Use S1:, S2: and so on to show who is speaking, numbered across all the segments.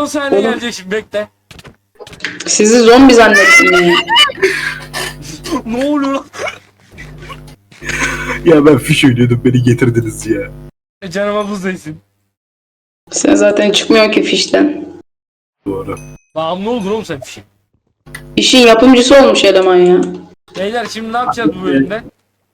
S1: 10 saniye
S2: Oğlum.
S1: gelecek şimdi bekle.
S2: Sizi zombi zannettim ya.
S1: Ne oluyor lan?
S3: Ya ben fiş oynuyordum, beni getirdiniz ya.
S1: Canıma buz değsin.
S2: Sen zaten çıkmıyor ki fişten.
S3: Doğru.
S1: Bağımlı oldun oğlum sen bir şey.
S2: İşin yapımcısı olmuş eleman ya.
S1: Beyler şimdi ne yapacağız bu bölümde?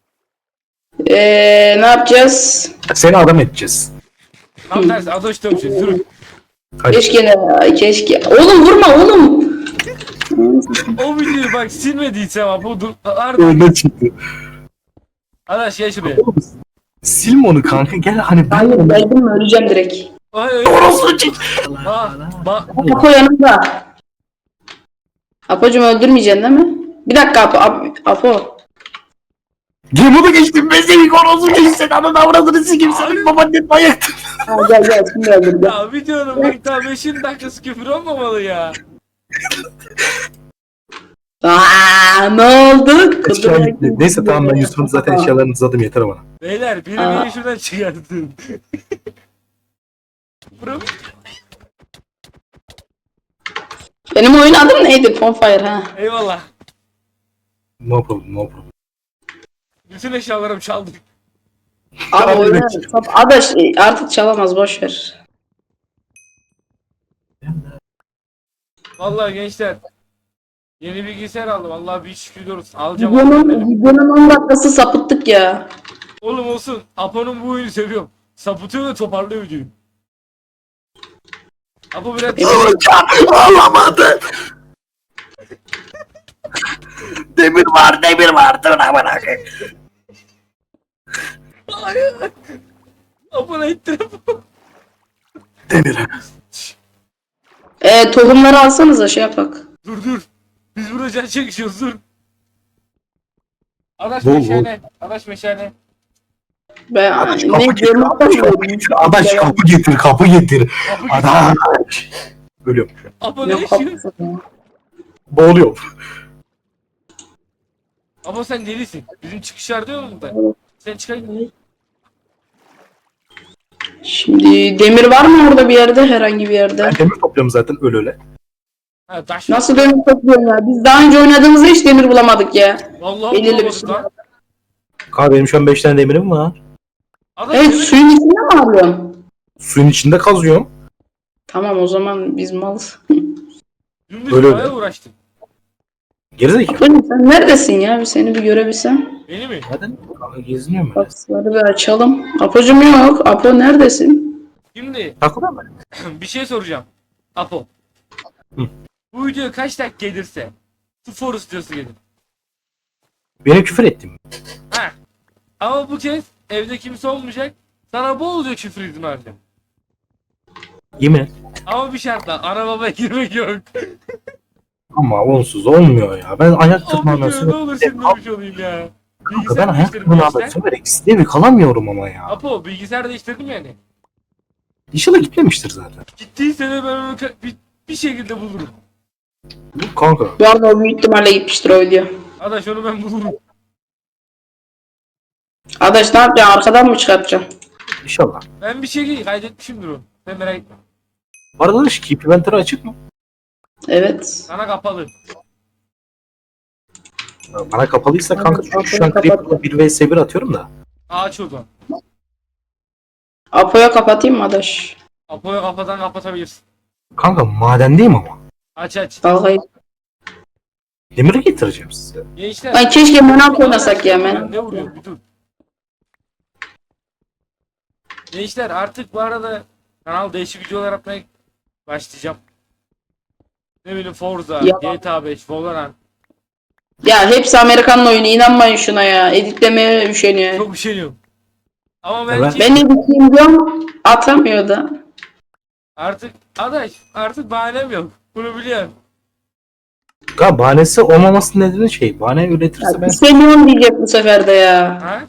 S2: Ne yapacağız?
S3: Seni adam edeceğiz.
S1: Tam tersi adoş dövüşeceğiz. Durun.
S3: Hadi.
S2: Keşke ne? Keşke. Oğlum vurma oğlum.
S1: O videoyu bak silmediysem ama bu dur. Arda.
S3: Önüne çıktı.
S1: Arkadaş gel şuraya.
S3: Oğlum, silme onu kanka, gel hani ben
S2: Hayır geldim mi öleceğim direkt.
S1: Ay ay.
S3: orospu çık.
S2: Apo yanımda. Apocuğum öldürmeyeceksin değil mi? Bir dakika Apo.
S3: Bunu geçtim, ben seni orospu çık, sen ananı avradını sikeyim, senin babaannen manyaktır.
S2: Ha, gel şimdi öldür.
S1: Ya videonun bak daha 5. dakikası küfür olmamalı ya.
S2: Ne oldu?
S3: Eşya gitti. Neyse tamam, ben Yusuf'un zaten eşyalarını uzadım, yeter bana.
S1: Beyler biri
S2: Aa.
S1: beni şuradan çıkartın. Bro.
S2: Benim oyun adım neydi? Bonfire ha.
S1: Eyvallah.
S3: No problem, no problem.
S1: Bütün eşyalarımı çaldık.
S2: Abi oyunu Adaş artık çalamaz boş ver.
S1: Vallahi gençler. Yeni bilgisayar aldım. Vallahi bir şükür diyoruz. Alacağım. Alacağım.
S2: Videonun 10 dakikası sapıttık ya.
S1: Oğlum olsun. Apo'nun bu oyunu seviyorum. Sapıtıyor ve toparlıyor videoyu. Apo biraz...
S3: Ağlamadı. Demir var, dur amına koyayım.
S1: Hayır. Apo ne ittir Apo?
S3: Demir.
S2: Tohumları alsanıza şey yapak.
S1: Dur. Biz burada can çekişiyoruz dur. Adaş
S3: Bol,
S1: meşale. Adaş meşale.
S2: Ben
S3: Adaş,
S2: ne
S3: kapı getir,
S2: diyorum?
S3: Adaş kapı getir, kapı getir.
S1: Apo git.
S3: Adaş. Ölüyorum.
S1: Apo ne
S2: Yok
S1: yaşıyor?
S2: haklısın.
S3: Boğuluyorum.
S1: Apo sen delisin. Bizim çıkışlar diyor mu da? Sen çıkar.
S2: Şimdi demir var mı orada bir yerde herhangi bir yerde?
S3: Ben demir topluyorum zaten, öyle.
S1: Ha taş.
S2: Nasıl demir topluyorsun ya? Biz daha önce oynadığımızda hiç demir bulamadık ya.
S1: Vallahi
S2: Belirli bir
S1: bulamadık
S2: şey.
S1: lan.
S3: Kanka benim şu an 5 tane demirim var.
S1: Adaş
S2: Evet
S1: demir-
S2: suyun içinde mi arıyorsun?
S3: Suyun içinde kazıyorum.
S2: Tamam o zaman biz malız.
S1: Dümdüz
S3: Öyle
S1: bayağı
S3: mi?
S1: uğraştım.
S3: Gerizekalı.
S2: Apocuğum sen neredesin ya? Bir seni bir görebilsem.
S1: Beni mi?
S3: Zaten kanka geziniyorum öyle.
S2: Kapıları bir açalım. Apocuğum yok. Apo neredesin?
S1: Şimdi
S3: Takıda mı?
S1: bir şey soracağım. Apo.
S3: Hı.
S1: Bu video kaç dakika gelirse spor istiyorsa gelir.
S3: Benim küfür ettim.
S1: Ha. Ama bu kez evde kimse olmayacak. Sana bolca küfür izin vereceğim.
S3: Yemin et.
S1: Ama bir şartla ana babaya girmek yok.
S3: Ama onsuz olmuyor ya. Ben ayak
S1: O
S3: tırmanına
S1: video ne olur şimdi demiş olayım ya.
S3: Kanka ben
S1: Bilgisayar
S3: ayak
S1: değiştirdim
S3: tırmanına
S1: gençler.
S3: söverek evi kalamıyorum ama ya.
S1: Apo bilgisayar değiştirdim yani.
S3: İnşallah gitmemiştir zaten.
S1: Gittiyse de ben onu bir şekilde bulurum.
S3: Kanka.
S2: Bu arada o büyük ihtimalle gitmiştir o video.
S1: Adaş onu ben bulurum.
S2: Adaş ne yapacaksın? Arkadan mı çıkartacaksın?
S3: İnşallah.
S1: Ben bir şey kaydetmişimdir onu. Sen merak etme.
S3: Bu arada da şu Keep Inventory açık mı?
S2: Evet.
S1: Sana kapalı.
S3: Bana kapalıysa kanka
S2: Evet,
S3: çünkü şu an
S2: kapat.
S3: Creeper'la 1 vs 1 atıyorum da.
S1: Aç o zaman.
S2: Apo'ya kapatayım mı Adaş?
S1: Apo'yu kafadan kapatabilirsin.
S3: Kanka madendeyim ama.
S1: Aç.
S2: Vallahi.
S3: Demiri getireceğim size.
S1: Gençler.
S2: Ay keşke Menat oynasak ya Menat.
S1: Ne vuruyor bir dur. Gençler artık bu arada kanal değişik videolar atmaya başlayacağım. Ne bileyim Forza,
S2: Ya.
S1: GTA 5, Valorant.
S2: Ya hepsi Amerikan'ın oyunu inanmayın şuna ya. Editlemeye üşeniyor.
S1: Çok üşeniyorum. Ama
S3: Evet.
S1: belki
S2: Ben editleyeyim diyorum atamıyor da.
S1: artık artık bahanem yok. Bunu biliyorum.
S3: Kanka bahanesi olmaması nedeni şey. Bahane üretirse
S2: Ya,
S3: ben...
S2: üşeniyorum diyecek bu sefer de ya.
S1: Ha?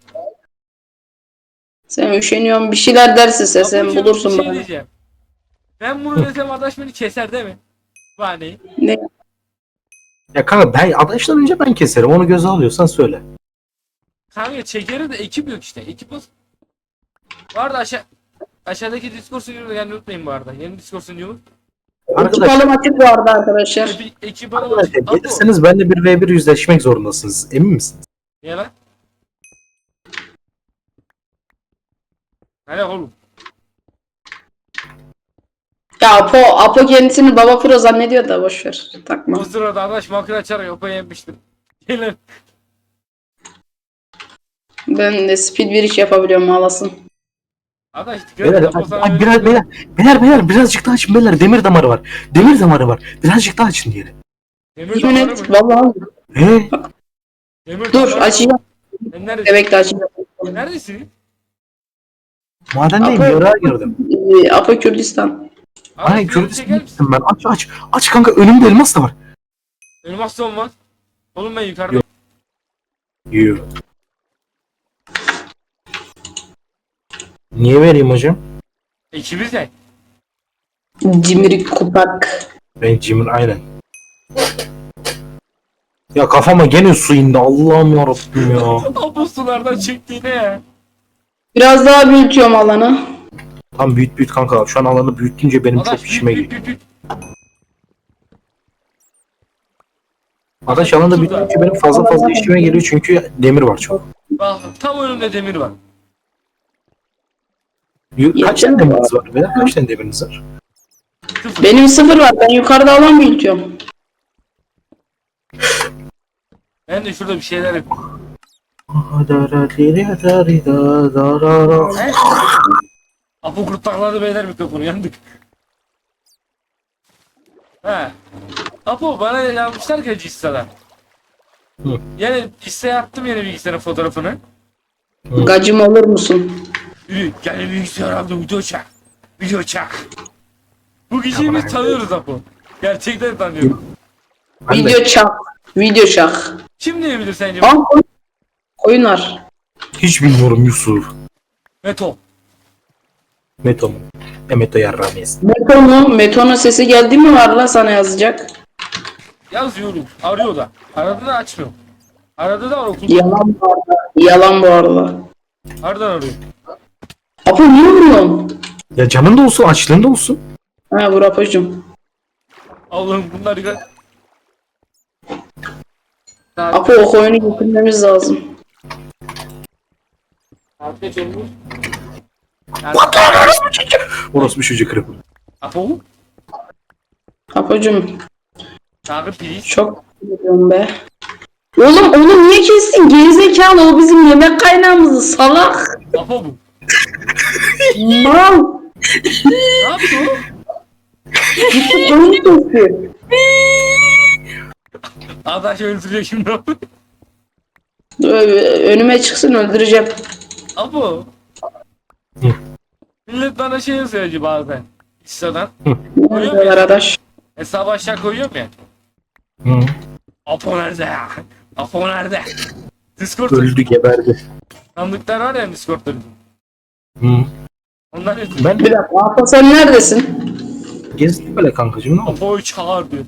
S2: Sen üşeniyorsun bir şeyler dersin sen
S1: Apocuğum,
S2: bulursun
S1: bir şey
S2: bana.
S1: diyeceğim. Ben bunu desem adaş beni keser değil mi? Bahaneyi.
S2: Ne?
S3: Ya kanka ben adaştan önce ben keserim. Onu göze alıyorsan söyle.
S1: Kanka çekeri de ekip yok işte. Ekip olsun. Bu arada aşağıdaki Discord sunucumuza gelmeyi unutmayın bu arada. Yeni Discord sunucumuz.
S2: Ekip
S3: Arkadaşlar,
S2: alım açık bu arada arkadaşlar.
S1: Ekip alım
S3: arkadaşlar
S1: Apo.
S3: gelirseniz benimle bir v bir yüzleşmek zorundasınız. Emin misiniz?
S1: Niye lan? Hele oğlum.
S2: Ya Apo kendisini baba pro zannediyor da boşver. Takma.
S1: O sırada arkadaş makine açarak Apo'yu yenmiştim. Gelin.
S2: Ben de speed bir iş yapabiliyorum ağlasın.
S1: Arkadaş
S3: Beyler,
S1: Apo sana
S3: ay,
S1: öyle
S3: biraz,
S1: diyor.
S3: beyler birazcık daha açın beyler. Demir damarı var. Demir damarı var. Birazcık daha açın diyelim.
S1: Demir
S2: Yemin
S1: damarı
S2: et
S1: mı?
S2: vallahi.
S1: Demir
S2: Dur
S1: damarı mı?
S2: açacağım.
S1: Sen neredesin?
S2: Bebek de açacağım.
S1: Neredesin?
S3: Madendeyim,
S2: Apo-
S3: yara gördüm.
S2: Apo Kürdistan.
S3: Ay
S1: Arkadaş, beni çeker
S3: Kürdistan'a
S1: misin?
S3: gittim ben. Aç. Aç kanka, önümde elmas da var.
S1: Elmas da olmaz. Oğlum ben yukarıda.
S3: Yok. Yiyor. Niye vereyim hocam?
S1: İkimiz de.
S2: Cimri kupak.
S3: Ben Jim'in aynen. Ya kafama gene su indi. Allah'ım yarabbim ya.
S1: Apo sulardan çıktı yine ya.
S2: Biraz daha büyütüyorum alanı.
S3: Tam büyüt kanka. Şu an alanı büyütünce benim çok işime geliyor.
S1: büyüt.
S3: Arkadaş alanı büyütünce benim fazla işime geliyor çünkü demir var çok.
S1: Bak tam önümde demir var.
S3: Kaç tane demiriniz var? Veya kaç tane demiriniz var?
S1: Sıfır.
S2: Benim 0 var. Ben yukarıda alan büyütüyorum.
S1: Ben de şurada bir şeyler yapayım.
S3: He?
S1: Apo kurtakladı beyler mikrofonu yandık. He. Apo bana yazmışlar ki Cissa'dan.
S3: Hı.
S1: Yani Cissa'ya attım yeni bilgisayarın fotoğrafını.
S2: Gacım olur musun?
S1: Yürü gel bilgisayar aldım video çek. Video çek. Bu kişiyi biz tanıyoruz Apo. Gerçekten tanıyoruz.
S3: Ben de
S2: Video çak. Video çak.
S1: Kim diyebilir sence?
S2: Aa, koyun var.
S3: hiç bilmiyorum Yusuf.
S1: Meto.
S3: Meto mu? Meto yarramayız.
S2: Meto mu? Meto'nun sesi geldi mi var la sana yazacak.
S1: Yazıyorum. Arıyor da. Aradı da açmıyor. Aradı da var okulda.
S2: Yalan bu arada. Yalan bu arada.
S1: Nereden arıyor?
S2: Apo niye vuruyorsun?
S3: Ya canın da olsun, açlığın da olsun.
S2: Ha vur Apo'cum.
S1: Allah'ım bunlar ya.
S2: Apo o koyunu getirmemiz lazım.
S1: Afiyet olmuş.
S3: Orası bir çocuk kırık.
S1: Apo.
S2: Apo'cum
S1: Çağrı please.
S2: çok biliyorum be. Oğlum onu niye kestin? Gerizekalı o bizim yemek kaynağımızı salak.
S1: Apo bu.
S2: Mal.
S1: Ne yaptı o?
S2: Gitti koyun kesti.
S1: Arkadaş öldürüyor şimdi.
S2: Önüme çıksın öldüreceğim.
S1: Apo.
S3: Hı.
S1: Millet bana şey yazıyor bazen. Insta'dan.
S2: Nerede arkadaş?
S1: Hesabı aşağı koyuyorum ya.
S3: Hı.
S1: Apo nerede ya? Apo nerede? Discord
S3: Öldü, geberdi.
S1: sandıklar var ya Discord'da.
S3: Hı.
S1: Onlar yazıyor.
S3: Ben
S2: Bir dakika Apo sen neredesin?
S3: gezdim böyle kankacığım, ne oldu?
S1: Apo'yu çağır diyor.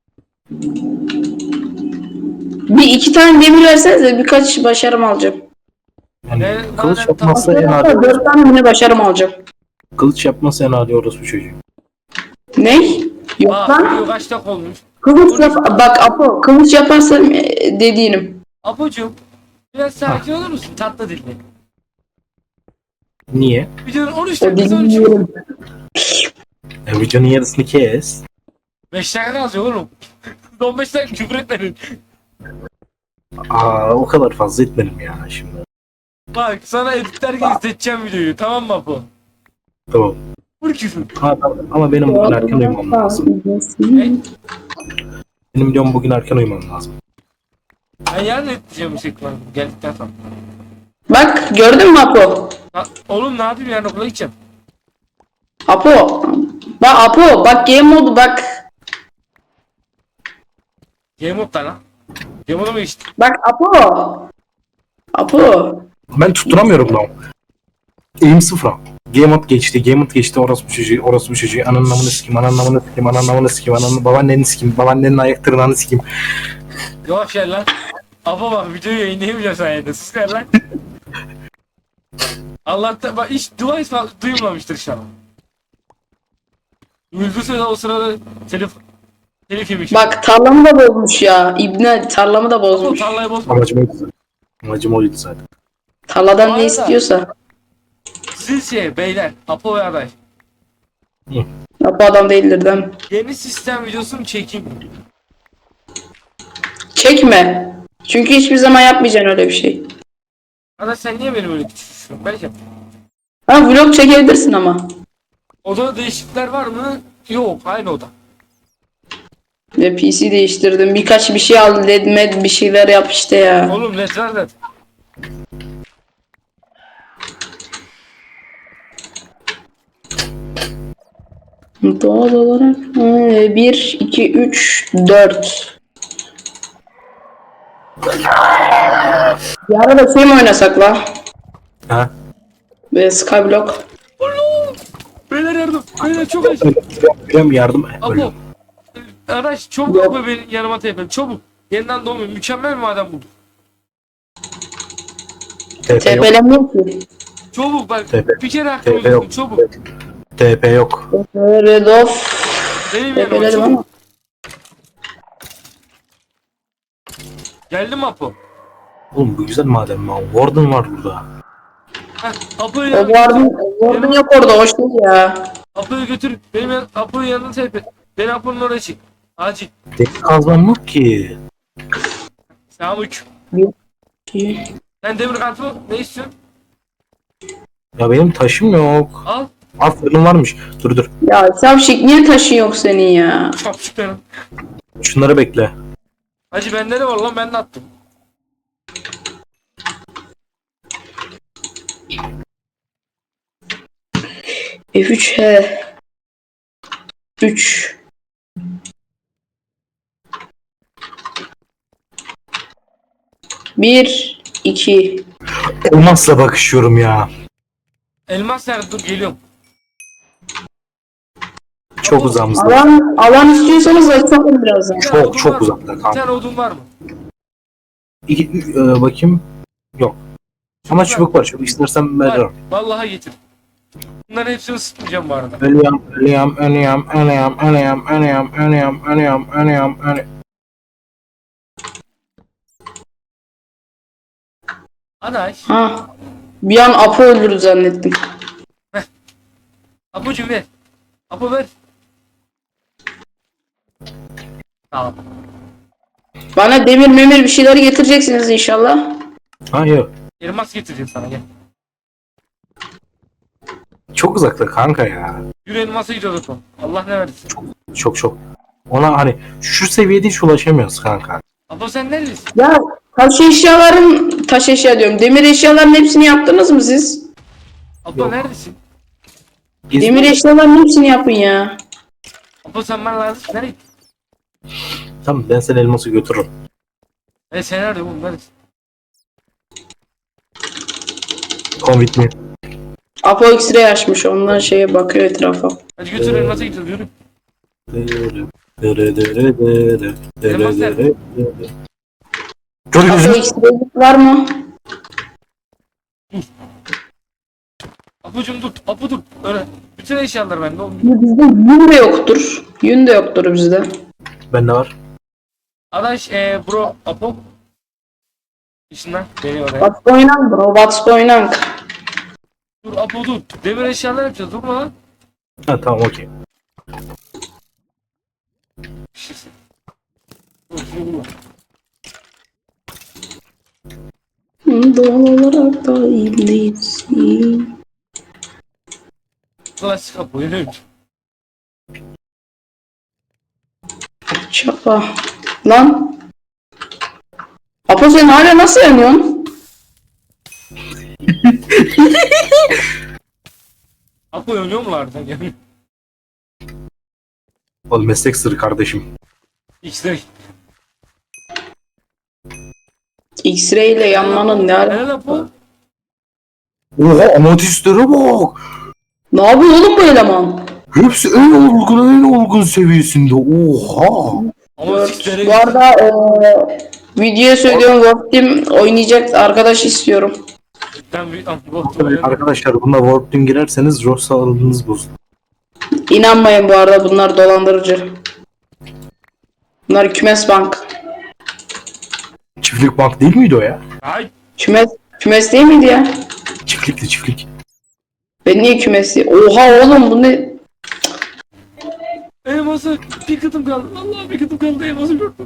S2: Bir iki tane demir versenize birkaç başarım alacağım.
S3: Yani
S1: Ne-
S3: kılıç
S1: zaten
S3: yapmazsa en
S2: Hatta
S3: adi.
S2: 4 tane yine başarım alacağım.
S3: Kılıç yapmazsa en adi orası bu çocuğu.
S2: Ne? Yok
S1: Bak
S2: lan.
S1: video kaç dakika olmuş.
S2: Kılıç yap bak Apo kılıç yaparsam dediğinim.
S1: Apocuğum biraz sakin olur musun? Tatlı dilli.
S3: Niye?
S1: Videonun 13
S2: O
S1: dakikası 13.
S2: dediğim.
S3: Videonun yarısını kes.
S1: 5 dakika kalacak oğlum. 15 dakika küfür etmedin.
S3: O kadar fazla etmedim ya şimdi.
S1: Bak sana editlerken izleteceğim videoyu tamam mı Apo?
S3: Tamam.
S1: Vur küfür.
S3: Ama benim bugün erken uyumam lazım.
S1: Ne?
S3: Benim diyorum bugün erken uyumam lazım.
S1: Ben yarın editeceğim şekli geldikten sonra.
S2: Bak gördün mü Apo?
S1: Ha, oğlum ne yapayım yarın okula gideceğim.
S2: Apo. Bak Apo bak game modu bak.
S1: Game modda lan. Game moda mı geçti?
S2: Bak Apo. Apo.
S3: Ben tutturamıyorum lan. Eğim sıfıra. Game mode geçti, orası bu çocuğu, ananın namını sikeyim, babaannenin sikeyim, babaannenin ayak tırnağını sikeyim.
S1: Yavaş gel lan. Apo bak videoyu yayınlayamayacağım sayende. Sus gel lan. Allah'tan bak hiç dua ismi duyulmamıştır inşallah. Öldürse o sırada telif yemiş.
S2: Bak tarlamı da bozmuş ya. İbne tarlamı da
S1: Apo
S2: bozmuş.
S1: tarlayı bozma.
S3: Amacım oydu zaten. Amacım oydu zaten.
S2: Tarladan
S1: Bu
S2: ne
S1: arada-
S2: istiyorsa.
S1: Siz beyler Apo ve Aday.
S2: Ya bu adam değildir değil mi?
S1: Yeni sistem videosunu çekeyim.
S2: Çekme. Çünkü hiçbir zaman yapmayacaksın öyle bir şey.
S1: Aday sen niye beni böyle küçültüyorsun? Belki.
S2: Ha vlog çekebilirsin ama.
S1: Odada değişiklikler var mı? Yok aynı oda.
S2: Ve PC değiştirdim. Birkaç bir şey al. LED med bir şeyler yap işte ya.
S1: Oğlum net var net.
S2: Doğal olarak 1, 2, 3, 4. Bir ara da şey mi oynasak la?
S3: Ha?
S2: Ve Skyblock.
S1: Beyler yardım. Beyler çok acı.
S3: Öyle yardım. Öyle.
S1: Apo. Araç çabuk
S2: Yok.
S1: Apo benim yanıma tepel. Çabuk. Yeniden doğmuyor. Mükemmel bir maden buldum.
S3: TP yok.
S2: TP'lenmiyor ki.
S1: Çabuk bak.
S3: TP.
S1: Bir kere hakkımı
S3: TP yok.
S1: buldum. Çabuk.
S3: TP yok.
S2: Red of.
S1: Benim yanıma
S2: TP'ledim
S1: çabuk.
S2: ama.
S1: Geldi mi Apo?
S3: Oğlum bu güzel maden mi? Warden var burada.
S1: Heh, Apo'yu
S2: O Warden yok orada. Hoş değil ya.
S1: Apo'yu götür. Apo'yu yanına tepe. Beni Apo'nun oraya çık. Acil.
S3: Demir kazmam yok ki.
S1: Selamünaleyküm.
S2: 2.
S1: Sen demir kartı ne istiyorsun?
S3: Ya benim taşım yok.
S1: Al.
S3: Aferin varmış. Dur dur.
S2: Ya Savşik niye taşın yok senin ya?
S1: Çapçık benim.
S3: Şunları bekle.
S1: Hacı bende ne var lan ben de attım.
S2: F3 he. 3. Bir, iki.
S3: Olmazsa bakışıyorum ya.
S1: Elmas nerede? Dur geliyorum.
S3: Çok
S1: Apo,
S3: uzağımızda.
S2: Alan istiyorsanız açalım birazdan.
S1: bir tane odun
S3: Çok
S1: var
S3: çok
S1: mı?
S3: uzakta
S1: Bir
S3: kanka.
S1: tane odun var mı?
S3: Bakayım. Yok. Ama çubuk var. Çubuk istersen
S1: Var.
S3: veririm.
S1: Vallahi getir. Bunların hepsini ısıtmayacağım bu arada.
S3: Ölüyorum.
S1: Aday.
S2: Ha. Bir an Apo öldürdü zannettim.
S1: Apocuğum ver. Apo ver. Tamam.
S2: Bana demir memir bir şeyler getireceksiniz inşallah.
S3: Hayır.
S1: Elmas getireceğim sana gel.
S3: Çok uzakta kanka ya.
S1: Yürü elmasa gidiyoruz Apo. Allah ne versin.
S3: Çok. Ona hani şu seviyede hiç ulaşamıyoruz kanka.
S1: Apo sen neredesin?
S2: Ya taş eşya diyorum. Demir eşyaların hepsini yaptınız mı siz?
S1: Apo
S3: Yok.
S1: neredesin?
S2: Demir eşyaların hepsini yapın ya.
S1: Apo sen bana lazım. Nereye gittin?
S3: Tamam ben seni elması götürürüm.
S1: Sen nerede oğlum? Neredesin?
S3: Come with me.
S2: Apo X-ray açmış. Ondan şeye bakıyor etrafa.
S1: Hadi götür elmasa gidiyoruz yürü.
S3: Elmas
S1: nerede?
S3: Dur
S2: Apo
S3: gözüm.
S2: X-ray var mı?
S1: Apocuğum dur. Apo dur. Öyle. Bütün eşyalar bende oğlum.
S2: Bizde yün de yoktur. Yün de yoktur bizde.
S3: Bende var.
S1: Adaş bro Apo. İşinden beni oraya.
S2: What's going on bro? What's going on?
S1: Dur Apo dur. Demir eşyalar yapacağız durma lan.
S3: Ha tamam okey.
S1: Dur şunu bulma.
S2: Doğal olarak da iyisin.
S1: Klasik Apo yürü.
S2: Çapa. Lan. Apo sen hala nasıl yanıyorsun?
S1: Apo yanıyor mu harbiden yani?
S3: Oğlum meslek sırrı kardeşim.
S1: X-ray.
S2: X-ray ile yanmanın ne
S1: Helal
S2: alakası?
S1: Apo.
S3: Oha amatistleri bak.
S2: Ne yapıyor oğlum bu eleman?
S3: Hepsi en olgun seviyesinde. Oha.
S1: Ama X-ray.
S2: Bu arada videoya söylüyorum Warp Team oynayacak arkadaş istiyorum.
S1: Ben bir Apo.
S3: Arkadaşlar buna Warp Team girerseniz ruh sağlığınız bozulur.
S2: İnanmayın bu arada, bunlar dolandırıcı. Bunlar kümes bank.
S3: Çiftlik bank değil miydi o ya?
S1: Ay
S2: Kümes değil miydi ya?
S3: Çiftlikti çiftlik.
S2: Ben niye kümesi? Oha oğlum bu ne?
S1: elması bir kıtım kaldı. Allah bir kıtım kaldı elması gördüm.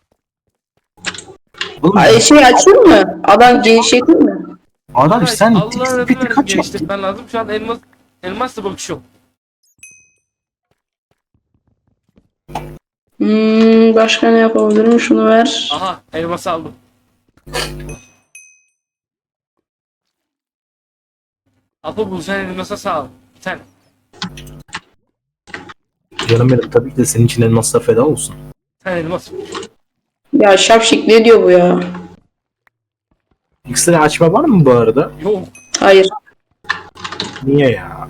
S3: Oğlum
S2: Ay, şey açayım mı? Adam genişletir mi?
S3: adam sen
S1: Allah'ın
S3: tek
S1: adını
S3: sepeti
S1: verdim
S3: kaç yaptın?
S1: geliştirmen lazım. Şu an elmasla bakışıyorum.
S2: Başka ne yapabilirim? Şunu ver.
S1: Aha elması aldım. Apo bu sen elmasa sağ ol. Bir tane.
S3: Canım benim tabii ki de senin için elmaslar feda olsun.
S1: Bir tane elmas.
S2: Ya şapşik ne diyor bu ya?
S3: X-ray açma var mı bu arada?
S1: Yok.
S2: Hayır.
S3: Niye ya?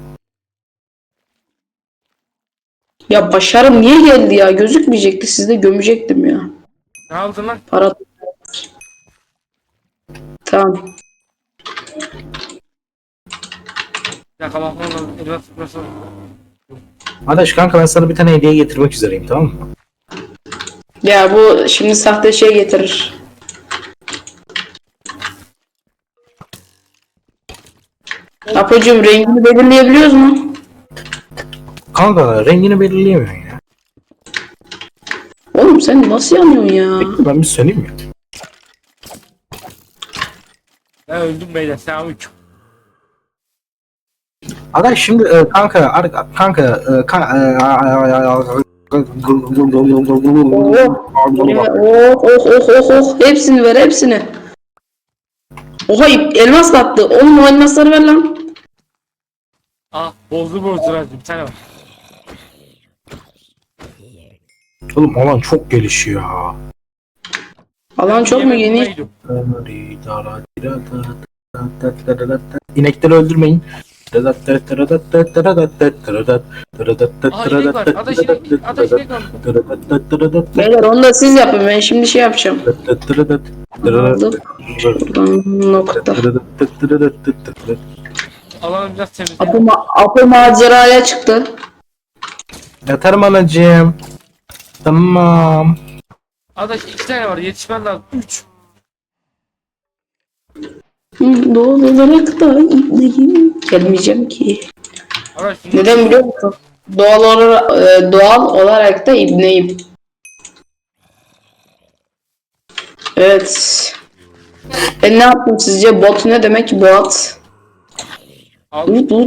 S2: Ya başarım niye geldi ya? Gözükmeyecekti, sizde gömecektim ya.
S1: Ne aldın lan?
S2: Para. Tamam.
S1: Bir dakika bakmam lazım. Elmas tutması.
S3: Adaş kanka ben sana bir tane hediye getirmek üzereyim tamam mı?
S2: Ya bu şimdi sahte şey getirir. Apocuğum rengini belirleyebiliyoruz mu?
S3: Kanka rengini belirleyemiyorsun ya.
S2: Oğlum sen nasıl yanıyorsun ya?
S3: Bekle ben bir söyleyeyim mi?
S1: Ben öldüm beyler. Selamünaleyküm.
S3: Adaş şimdi kanka
S2: Oh. Hepsini ver, hepsini. Oha elmas da attı. Oğlum o elmasları ver lan.
S1: Ah bozdu verdim. Bir tane var.
S3: Oğlum alan çok gelişiyor ya.
S2: Alan çok mu
S1: Yemek
S2: geniş?
S1: bulmaya gidiyorum.
S3: İnekleri öldürmeyin.
S1: Adaş inek var.
S2: Beyler onu da siz yapın, ben şimdi şey yapacağım. Aldım. Buradan nokta.
S1: Alanı biraz temizleyelim.
S2: Apo maceraya çıktı.
S3: Yatarım anacığım. Tamam.
S1: Adaş 2 tane var. Yetişmen lazım. 3.
S2: Doğal olarak da ipneyim. Gelmeyeceğim ki.
S1: Adaş bunlar
S2: Neden biliyor musun? Doğal olarak da ibneyim. Evet. Ben ne yaptım sizce? Bot ne demek ki bot?
S1: al.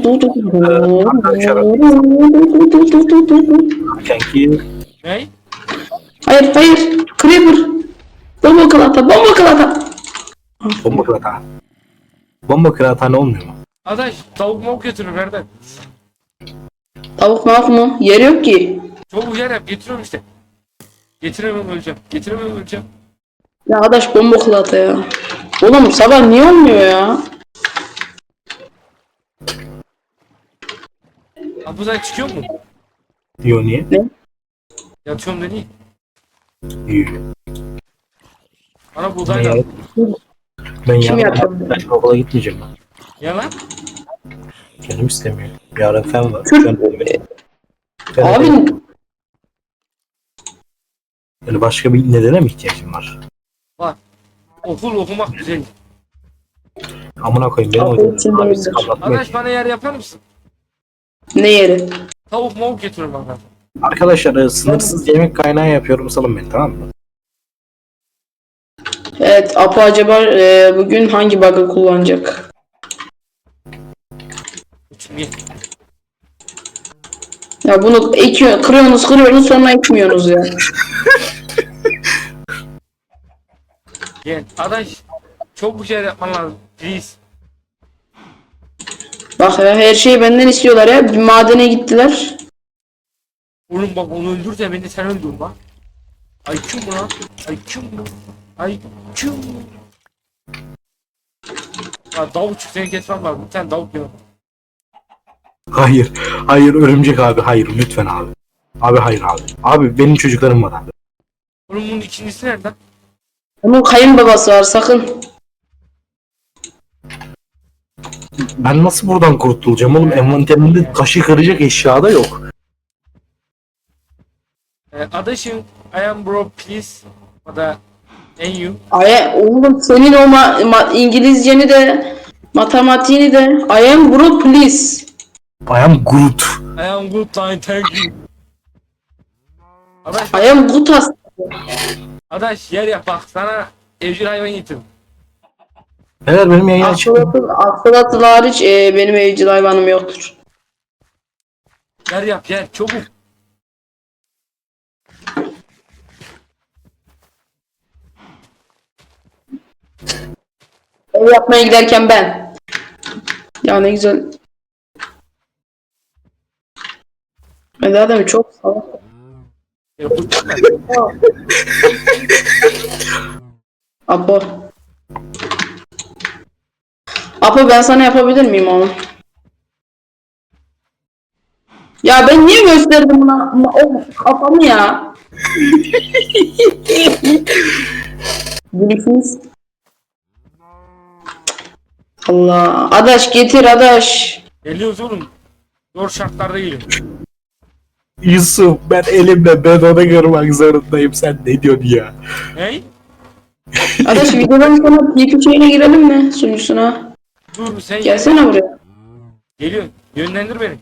S3: Kanki.
S1: Ne?
S2: Hayır. Creeper. Bomba kılata.
S3: Bomba kırata. Bomba kırata olmuyor mu?
S1: Adaş tavuk mavuk götürür nereden?
S2: Tavuk mavuk mu? Yer yok ki.
S1: Çabuk yer yap. Getiriyorum işte. Getiremem öleceğim.
S2: Ya adaş bomba kılata ya. Oğlum sabah niye olmuyor ya?
S1: Abi sen çıkıyor mu?
S3: Yo niye?
S1: Yatıyorum dedi.
S3: Yo.
S1: Bana
S3: Ben
S1: buğday lazım.
S3: Ben
S2: Kim
S3: yarın
S2: yaptı?
S3: okula gitmeyeceğim ben.
S1: Ya lan.
S3: Canım istemiyor. Yarın fen var.
S2: Kürt-
S3: Ben de-
S2: Abi
S3: Yani başka bir nedene mi ihtiyacım var?
S1: Var. Okul okumak güzel.
S3: Amına koyayım benim
S2: Okul
S3: hocam.
S2: için
S3: Abi
S2: değildir.
S3: siz anlatmıyor
S1: Adaş
S3: ki.
S1: bana yer yapar mısın?
S2: ne yeri?
S1: Tavuk mavuk getiriyorum bana.
S3: Arkadaşlar sınırsız yemek kaynağı yapıyorum salın beni tamam mı?
S2: Evet, Apo acaba bugün hangi bug'ı kullanacak?
S1: Çünkü
S2: Ya bunu kırıyorsunuz sonra ekmiyorsunuz ya.
S1: gel. Adaş çok bir şey yapman lazım. Please.
S2: Bak ya her şeyi benden istiyorlar ya. Bir madene gittiler.
S1: Oğlum bak onu öldürse beni sen öldür bak. IQ mu lan? IQ. Ya davuk çık seni kesmem lazım. Bir tane davuk yok.
S3: Hayır örümcek abi hayır lütfen abi. Abi hayır abi. Abi benim çocuklarım var abi.
S1: Oğlum bunun ikincisi nereden?
S2: Onun kayınbabası var sakın.
S3: Ben nasıl buradan kurtulacağım oğlum envanterimde taşı kıracak eşya da yok.
S1: Adaşım, I am bro please. O da en you.
S2: Oğlum senin o İngilizceni de matematiğini de I am bro please.
S3: I am Groot.
S1: I am good line thank you. Adaş,
S2: I am good as.
S1: adaş yer yap bak sana evcil hayvan getirdim.
S3: Neler benim yayın açık.
S2: Aksalatlı hariç benim evcil hayvanım yoktur.
S1: Yer yap yer çabuk.
S2: Ev yapmaya giderken ben. Ya ne güzel. Hadi adam çok salak.
S1: Yapacağım ben.
S2: Apo. Apo ben sana yapabilir miyim onu? Ya ben niye gösterdim buna o kafamı ya? Bilirsiniz. Allah. Adaş getir adaş.
S1: Geliyoruz oğlum. Zor şartlarda geliyorum.
S3: Yusuf ben elimle ben onu kırmak zorundayım. Sen ne diyorsun ya?
S1: Hey?
S2: Adaş videodan sonra TP şeyine girelim mi sunucusuna?
S1: Dur sen
S2: Gelsene buraya.
S1: Geliyorsun. Yönlendir beni.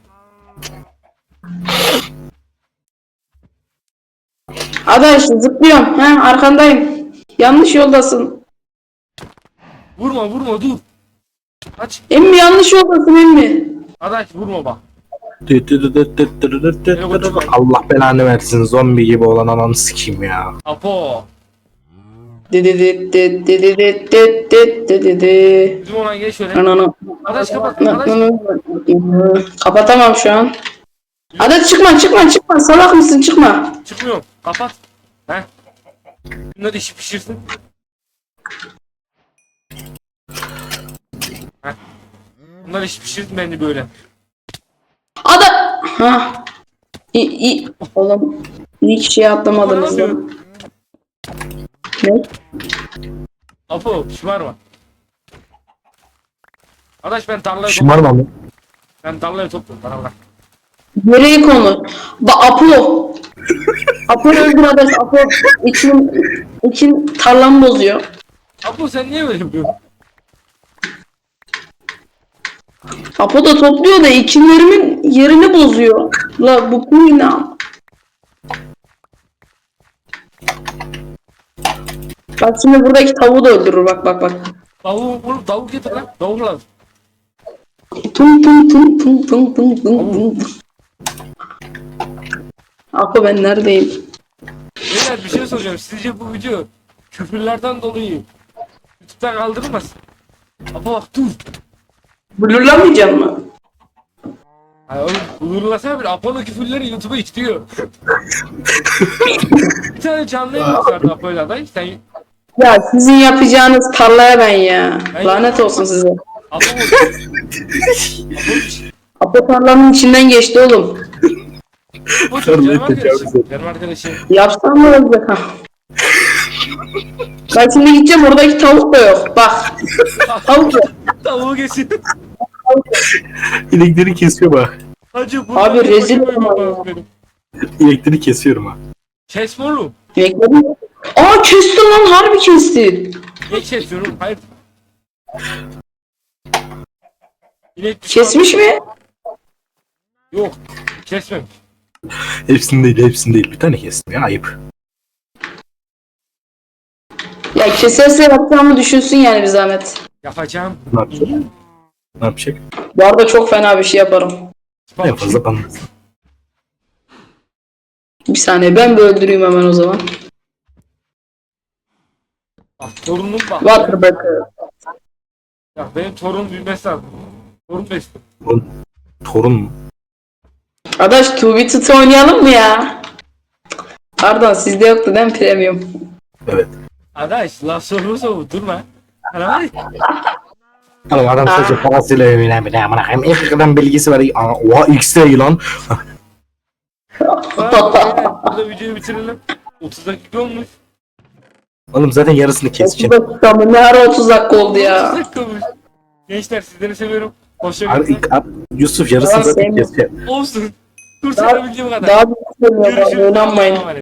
S2: Adaş zıplıyorum. He arkandayım. Yanlış yoldasın.
S1: Vurma vurma dur. Aç.
S2: Emmi yanlış yoldasın emmi.
S1: Adaş vurma bak.
S3: Allah belanı versin, zombi gibi olan ananı sikeyim ya.
S1: Apo.
S2: Dedi.
S1: Bizim olan gel şöyle.
S2: Ananı.
S1: Adaş kapat. Adaş.
S2: Kapatamam şu an. Adaş çıkma salak mısın çıkma.
S1: Çıkmıyorum. Kapat. Heh. Bunlar işi pişirsin. Heh. Bunlar işi pişirsin beni böyle.
S2: Ada. Ha. İyi. Oğlum. İyi ki şey atlamadınız lan. Ne?
S1: Apo şımarma. Adaş ben tarlaya topluyorum.
S3: Şımarma mı?
S1: Ben tarlaya topluyorum. Bana bırak.
S2: Nereye konu? Apo. Apo öldür adaş. Apo için tarlamı bozuyor.
S1: Apo sen niye böyle yapıyorsun?
S2: Apo da topluyor da ekinlerimin yerini bozuyor. La bu ne? Bak şimdi buradaki tavuğu da öldürür bak.
S1: Tavuk getir lan. Tavuk lazım.
S2: Tum. Apo ben neredeyim?
S1: Beyler bir şey soracağım. Sizce bu video küfürlerden dolayı YouTube'dan kaldırılmaz? Apo bak dur.
S2: Blurlamayacağım mı?
S1: Hayır oğlum uyurlasana bir Apo'nun küfürleri YouTube'a işliyor. Bir tane canlı yayın vardı Apo'yla aday. Sen
S2: Ya sizin yapacağınız tarlaya ben ya.
S1: Ben
S2: Lanet
S1: yapamam.
S2: olsun size.
S1: Apo
S2: Apo tarlanın içinden geçti oğlum.
S1: canım arkadaşım. Benim arkadaşım.
S2: Yapsam mı olacak ha? Ben şimdi gideceğim oradaki tavuk da yok. Bak. Tavuk yok.
S1: Tavuğu geçin.
S3: Elektrik kesiyor bak.
S1: Hacı bu.
S2: Abi rezil olma ya.
S3: Elektrik kesiyorum ha.
S1: Kesme oğlum.
S2: Bekledim. Aa kestin lan harbi kestin.
S1: Niye kesiyorum? Hayır. İnek
S2: Kesmiş mi?
S1: Yok. Kesmem.
S3: Hepsini değil. Bir tane kestim ya, ayıp.
S2: Ya keserse yapacağımı düşünsün yani bir zahmet.
S1: Yapacağım.
S3: Ne yapacak? Ne yapacak?
S2: Bu arada çok fena bir şey yaparım.
S3: En fazla bana.
S2: Bir saniye ben bir öldüreyim hemen o zaman.
S1: Bak torunum bak.
S2: Waterbacker.
S1: Ya benim torunum büyümesi lazım. Torun besliyor.
S3: Torun mu?
S2: Adaş 2v2 oynayalım mı ya? Pardon sizde yoktu değil mi premium?
S3: Evet.
S1: Adaş laf soru durma. Hala var ya.
S3: Oğlum adam sadece parasıyla övünen bir de amına koyayım. İlk kadar bilgisi var. Oha X-Ray lan.
S1: Burada videoyu bitirelim. 30 dakika olmuş.
S3: Oğlum zaten yarısını
S2: 30
S3: keseceğim.
S2: dakika mı? Ne ara 30 dakika oldu
S1: 30
S2: ya?
S1: dakika olmuş. Gençler sizleri seviyorum. Hoşçakalın.
S3: Yusuf yarısını
S2: Tamam,
S3: zaten
S2: sevmiyorum.
S3: keseceğim.
S1: Olsun. Kurtarabildiğim kadar.
S2: Daha bir şey
S1: Görüşürüz.
S2: oynanmayın.
S1: Allah'a emanet.